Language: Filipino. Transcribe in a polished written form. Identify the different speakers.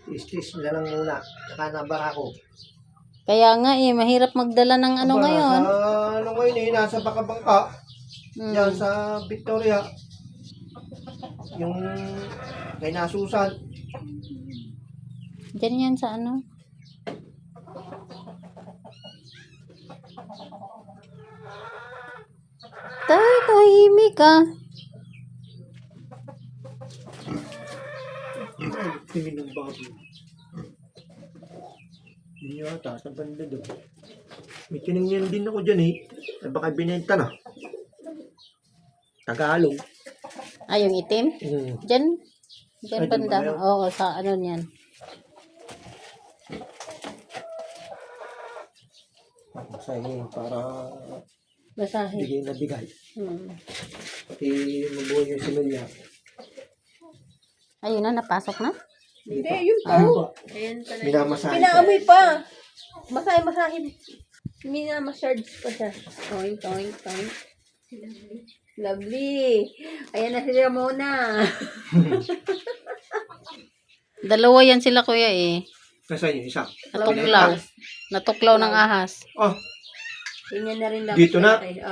Speaker 1: Istis na lang muna. Nakanabar ako.
Speaker 2: Kaya nga mahirap magdala ng ano
Speaker 1: Aba,
Speaker 2: ngayon.
Speaker 1: Ano ngayon nasa Baka-Bangka. Yan sa Victoria. Yung kay Nasusan.
Speaker 2: Diyan yan sa ano. Tahimik ka.
Speaker 1: Tingin ng baboy. Yun yata, sa banda doon. May tinignan din ako dyan Baka binenta na. Tagalog.
Speaker 2: Yung itim? Diyan. Diyan
Speaker 1: Ay,
Speaker 2: banda.
Speaker 1: doon ba yun?
Speaker 2: Oo, sa ano niyan.
Speaker 1: Masahin para
Speaker 2: Basahin.
Speaker 1: bigay na bigay. Pati mabuhay yung similya.
Speaker 2: Ayun na, napasok na.
Speaker 3: Hindi, yun pa.
Speaker 2: Ayan pala.
Speaker 1: Minamasahin pa.
Speaker 3: Pinaamoy pa. Masahe-masahin. Minamassage pa siya. Toink, toink, toink. Lovely. Ayan na si Ramona.
Speaker 2: Dalawa yan sila kuya
Speaker 1: Nasaan yung isa?
Speaker 2: Natuklaw. Natuklaw ng ahas.
Speaker 1: Oh,
Speaker 3: Ganyan na rin lang.
Speaker 1: Dito na.